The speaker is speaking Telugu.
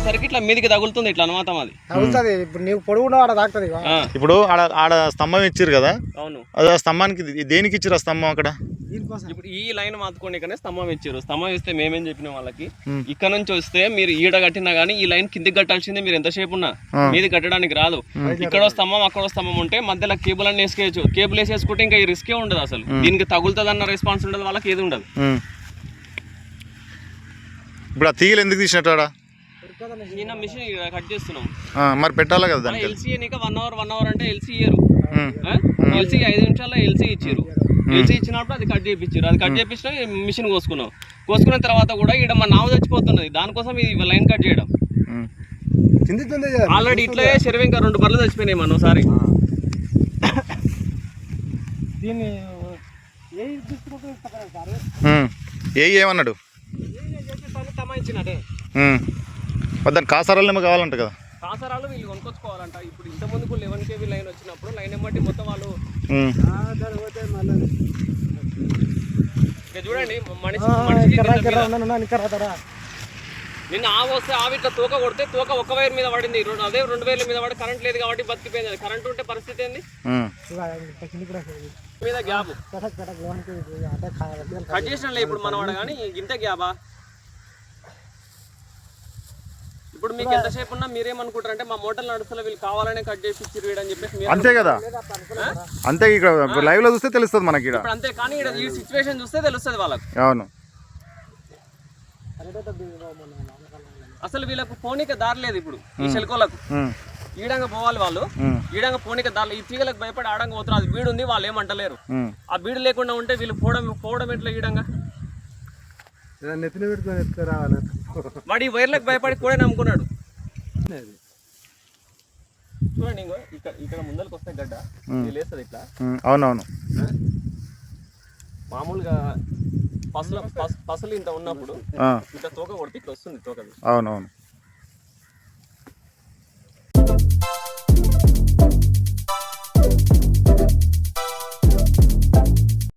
కొట్టేసరికి ఇట్లా మీదికి తగులుతుంది ఇట్లా అనమాట అది తగులుతుంది. ఇప్పుడు నీవు పొడుగున్న వాడ తాకుతుంది. ఇప్పుడు ఆడ స్తంభం ఇచ్చారు కదా, అవును. అది ఆ స్తంభానికి దేనికి ఇచ్చారు ఆ స్తంభం అక్కడ? ఇప్పుడు ఈ లైన్ మాత్రుకోనికనే స్తంభం ఇచ్చారు. స్తంభం ఇస్తే మేమేం చెప్పినాం వాళ్ళకి, ఇక్కడ నుంచి వస్తే మీరు ఈడ కట్టినా గానీ ఈ లైన్ కిందికి కట్టాల్సిందే. మీరు ఎంతసేపు ఉన్నా మీది కట్టడానికి రాదు. ఇక్కడ స్తంభం అక్కడ స్తంభం ఉంటే మధ్యలో కేబుల్ అన్ని వేసుకోవచ్చు. కేబుల్ వేసేసుకుంటే ఇంకా ఈ రిస్కే ఉండదు. అసలు దీనికి తగులుతుంది అన్న రెస్పాన్స్ ఉండదు, వాళ్ళకి ఏది ఉండదు. ఇప్పుడు ఆ తీగలు ఎందుకు తీసినట్టు ఆడ? నిన్న మిషన్ కట్ చేస్తున్నాం, మరి పెట్టాలి కదా దానికి. ఎల్సీ నీకు 1 అవర్ అంటే ఎల్సీ ఇయ్యరు. ఎల్సీ 5 నిమిషాల్లో ఎల్సీ ఇచ్చారు. ఎల్సీ ఇచ్చినప్పుడు అది కట్ చేయించారు. అది కట్ చేయించిన మిషన్ కోసుకున్న తర్వాత కూడా ఇక్కడ మన నావ చచ్చిపోతున్నది. దానికోసం ఇది లైన్ కట్ చేయడం. ఆల్రెడీ ఇట్లా చెరువు ఇంకా 2 బర్రెలు చచ్చిపోయినాయి మన ఒకసారి. ఏమన్నాడు? తమాయించినట్టే దాని కాసారాలు కావాలంట కదా. కాసారాలు వీళ్ళు కొనుక్కొచ్చుకోవాలంట. ఇప్పుడు ఇంత ముందుకు 11 kV లైన్ వచ్చినప్పుడు లైన్ ఎమ్మటి మొత్తం వాళ్ళు చూడండి నిన్న ఆవు వస్తే ఆవి ఇట్లా తోక కొడితే తోక 1 వైర్ మీద పడింది. అదే 2 వైర్ల మీద పడి కరెంట్ లేదు కాబట్టి బతికిపోయింది. కరెంట్ ఉంటే పరిస్థితి ఏంది? మీద గ్యాప్ కట్ చేసినలే ఇప్పుడు మనవాడు కానీ ఇంత గ్యాబా. ఇప్పుడు మీకు ఎంతసేపు ఉన్నా మీరేమనుకుంటారు అంటే మా మోటార్లు నడుస్తున్నా వీళ్ళు కావాలనే కట్ చేసి ఇచ్చి అని చెప్పేసి అంతే కదా. అంతే ఇక్కడ లైవ్ లో చూస్తే తెలుస్తుంది మనకి. ఇప్పుడు అంతే, కానీ ఈ సిచ్యువేషన్ చూస్తే తెలుస్తుంది వాళ్ళకి. అవును. అసలు వీళ్ళకు పోనీక దారి లేదు. ఇప్పుడు ఈ చెలకోలకు ఈడంగా పోవాలి వాళ్ళు, ఈడంగా పోనీక దారి. ఈ తీగలకు భయపడి ఆడంగా పోతున్నారు. అది బీడు ఉంది, వాళ్ళు ఏమంటలేరు. ఆ బీడు లేకుండా ఉంటే వీళ్ళు పోవడం ఎట్లా ఈడంగా? వాడు ఈ వైర్లకు భయపడి కూడా నమ్ముకున్నాడు. చూడండి ఇక్కడ ముందరికి వస్తే గడ్డ లేస్తుంది ఇట్లా. అవునవును. మామూలుగా పసలు ఇంత ఉన్నప్పుడు ఇట్లా తోక కొడితే ఇట్లా వస్తుంది తోక. అవునవును.